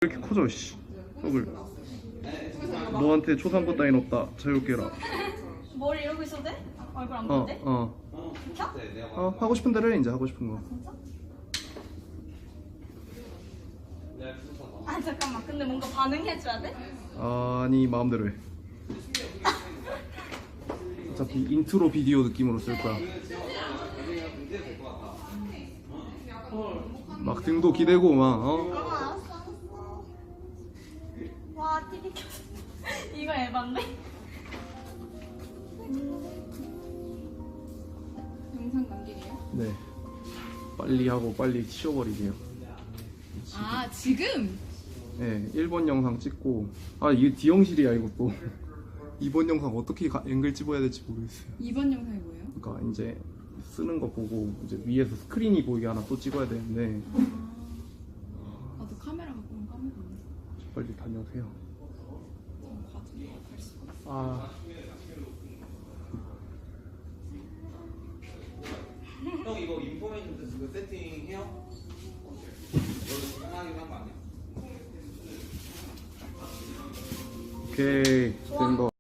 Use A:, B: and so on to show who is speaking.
A: 왜 이렇게 커져 씨. 떡을. 너한테 초상권 따윈 없다. 자유롭게 해라.
B: 머리 이러고 있어도 돼? 얼굴 안 보는데?
A: 켜? 하고 싶은 대로 해 이제 하고 싶은 거.
B: 진짜? 아 잠깐만 근데 뭔가 반응해줘야 돼?
A: 아니 마음대로 해. 어차피 인트로 비디오 느낌으로 쓸 거야. 막 등도 기대고 막
B: 알았어. 와 TV 켰어. 이거 에반데?
C: 영상 남기게요?
A: 네. 빨리 하고 빨리 치워버리게요.
C: 아 지금?
A: 네, 1번 영상 찍고 이게 D형실이야 이것도. 2번 영상 어떻게 앵글 집어야 될지 모르겠어요.
C: 2번 영상이 뭐예요?
A: 그러니까 이제 쓰는 거 보고 이제 위에서 스크린이 보이게 하나 또 찍어야 되는데
C: 나도 카메라 갖고 온 카메라 없네.
A: 빨리 다녀오세요.
C: 좀 갈 수가 없어.
D: 형 이거 인포메이션 지금 세팅해요? 이거 지금 하긴 한거 아니야?
A: 오케이 된 거.